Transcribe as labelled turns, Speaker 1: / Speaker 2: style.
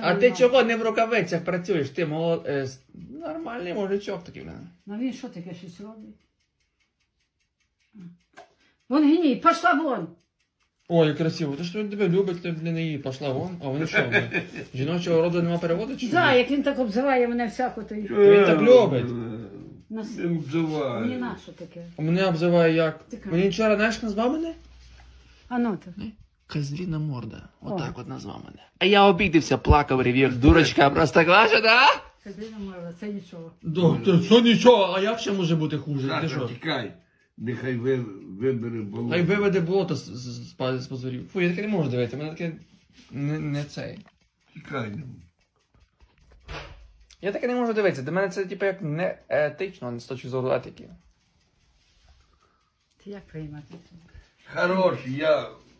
Speaker 1: А ти чого не в рукавицях працюєш? Ти нормальний мужичок такий в мене.
Speaker 2: Ну він що таке щось робить? Вон гній, пошла вон!
Speaker 1: Ой, красиво. Ти ж тебе любить, ти для неї пішла вон. А вони що? Жіночого роду нема переводу чи?
Speaker 2: Да, як він так обзиває мене всяко, то й...
Speaker 1: Він так любить.
Speaker 2: Нас...
Speaker 3: Не обзивай.
Speaker 2: Мені на що таке?
Speaker 1: Мене обзиває як?
Speaker 2: Ти кажеш.
Speaker 1: Мені вчора, знаєш, назвав мене?
Speaker 2: А ну то.
Speaker 1: Козліна морда. Отак
Speaker 2: О.
Speaker 1: от назвав мене. А я обідився, плакав, ревів. Дурочка просто кваша, да?
Speaker 2: Кадрина морда, це нічого.
Speaker 1: Це нічого, а як ще може бути хуже? Ти
Speaker 3: Саша,
Speaker 1: що?
Speaker 3: тікай. Нехай вибере болото.
Speaker 1: Хай виведе болото з позорів. Фу, я таке не можу дивитися, мене таке не цей.
Speaker 3: Тікай.
Speaker 1: Я таке не можу дивитися, для мене це типу як не етично, з точки зору етики.
Speaker 2: Ти як приймати це?
Speaker 3: Хорош, я